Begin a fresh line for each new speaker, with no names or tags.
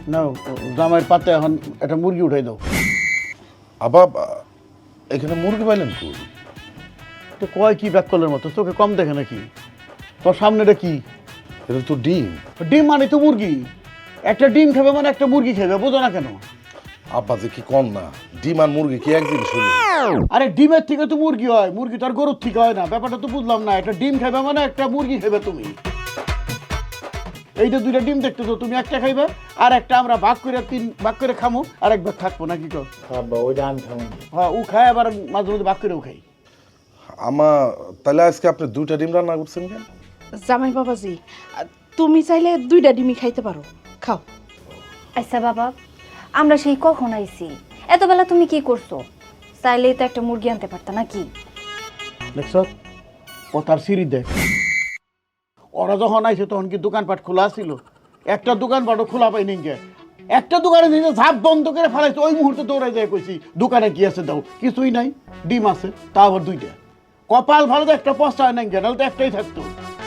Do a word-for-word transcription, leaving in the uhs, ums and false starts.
নাও জামাইয়ের পাতে এখন একটা মুরগি উঠাই দাও।
আবার এখানে মুরগি পাইলেন কই?
তো কয় কি ব্যাককলের মতো, চোখে কম দেখে নাকি? তোর সামনেটা কি?
এটা তো ডিম।
ডিম মানে তো মুরগি। একটা ডিম খাবে মানে একটা মুরগি খাবে, বোঝো না কেন?
আব্বা যে কি কম না, ডিম আর মুরগি কি এক জিনিস হলো?
আরে ডিমের থেকে তো মুরগি হয়, মুরগি তো আর গরুর থেকে হয় না। ব্যাপারটা তো বুঝলাম না। একটা ডিম খাবে মানে একটা মুরগি খাবে তুমি। এইটা দুইটা ডিম দেখতেছো, তুমি একটা খাইবে আর একটা আমরা ভাগ করে তিন ভাগ করে খামো আর এক ভাগ থাকবো নাকি কর?
আব্বা ওইটা আমি খাবো না।
হ্যাঁ ও খায়, আবার মাঝে মধ্যে ভাগ করেও খাই।
আমা তাহলে আজকে আপনি দুইটা ডিম রান্না করছেন কেন?
জামাই বাবাজি, তুমি চাইলে দুইটা ডিমই খাইতে পারো, খাও।
আচ্ছা বাবা, আমরা সেই কখন আইছি, এতবেলা তুমি কি করছো? চাইলেই তো একটা মুরগি আনতে পারতা নাকি?
দেখছ ও তার সিঁড়ি দেখ। ওরা যখন আইছে তখন কি দোকানপাট খোলা ছিল? একটা দোকানপাটও খোলা পাইনি কে। একটা দোকানে নিজে ঝাপ বন্ধ করে ফেলাইছে, ওই মুহূর্তে দৌড়াই যায় কইছি দোকানে কি আছে দাও, কিছুই নাই, ডিম আছে তা আবার দুইটা। কপাল ভালো তো একটা পস্তা হয় নাই, নাহলে তো একটাই থাকতো।